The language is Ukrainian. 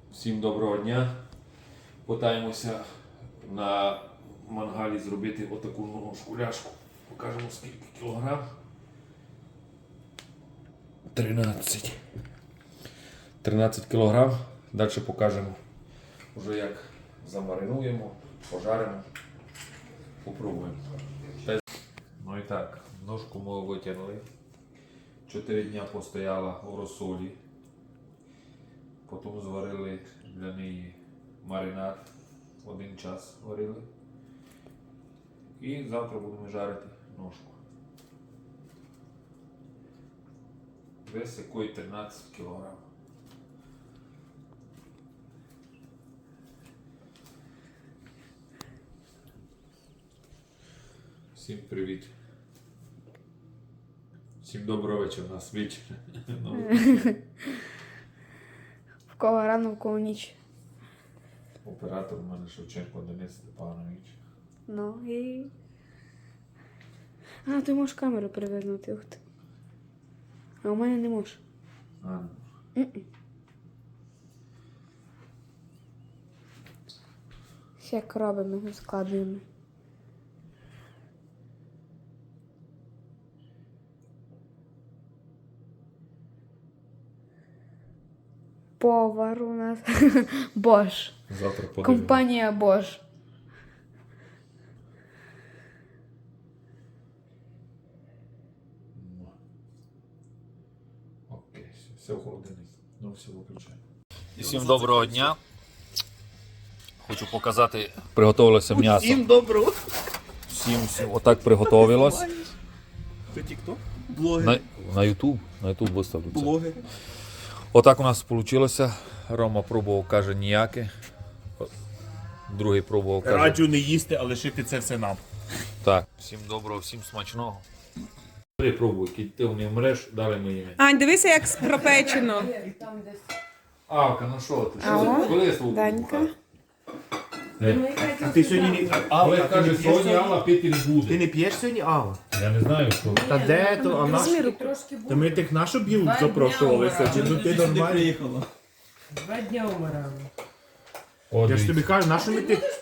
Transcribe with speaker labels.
Speaker 1: Всім доброго дня. Питаємося на мангалі зробити отаку ножку ляшку. Покажемо скільки кілограм. 13 кілограм. Далі покажемо вже як замаринуємо, пожаримо, попробуємо. Ну і так, ножку ми витягнули. 4 дня постояла у розсолі. Потім зварили для неї маринад. 1 час варили. І завтра будемо жарити ножку. Вес якої 13 кг. Всім привіт. Всім доброго вечора, у нас вечір.
Speaker 2: В кого рано, в кого ніч.
Speaker 1: Оператор у мене Шевченко Денис Степанович.
Speaker 2: Ну і... А, ти можеш камеру перевернути. Ух ти. А у мене не можеш. Як робимо, складуємо. Повар у нас. Бош.
Speaker 1: Завтра подивимось.
Speaker 2: Компанія Бош.
Speaker 1: Окей, все в холодильник. Ну все виключаємо. Всім доброго дня. Хочу показати, приготувалося м'ясо.
Speaker 3: Всім доброго.
Speaker 1: Всім отак приготувалось.
Speaker 3: Це тік-ток? Блогер.
Speaker 1: На YouTube виставлю це.
Speaker 3: Блогер.
Speaker 1: Отак у нас вийшло. Рома пробував, каже, ніяке. Другий пробував, каже.
Speaker 3: Раджу не їсти, а лишити це все нам.
Speaker 1: Так. Всім доброго, всім смачного. Пробуй, ти не вмреш, далі ми їмо.
Speaker 4: Ань, дивися, як пропечено.
Speaker 1: Авка, ну що ти?
Speaker 2: Алло,
Speaker 1: Коли я свого
Speaker 2: Данька.
Speaker 3: А ти сьогодні не...
Speaker 1: Але
Speaker 3: Алла,
Speaker 1: каже, сьогодні Алла пити не
Speaker 3: Ти
Speaker 1: буде.
Speaker 3: не п'єш сьогодні, Алла?
Speaker 1: Я не знаю, що.
Speaker 3: Та де то? А наш... Та ми тих нашу білу запрошувалися. Чи ну ти нормально?
Speaker 5: 2 дня умирали.
Speaker 1: О,
Speaker 3: Я ж тобі
Speaker 1: дивіться.
Speaker 3: кажу, нашу ми тих...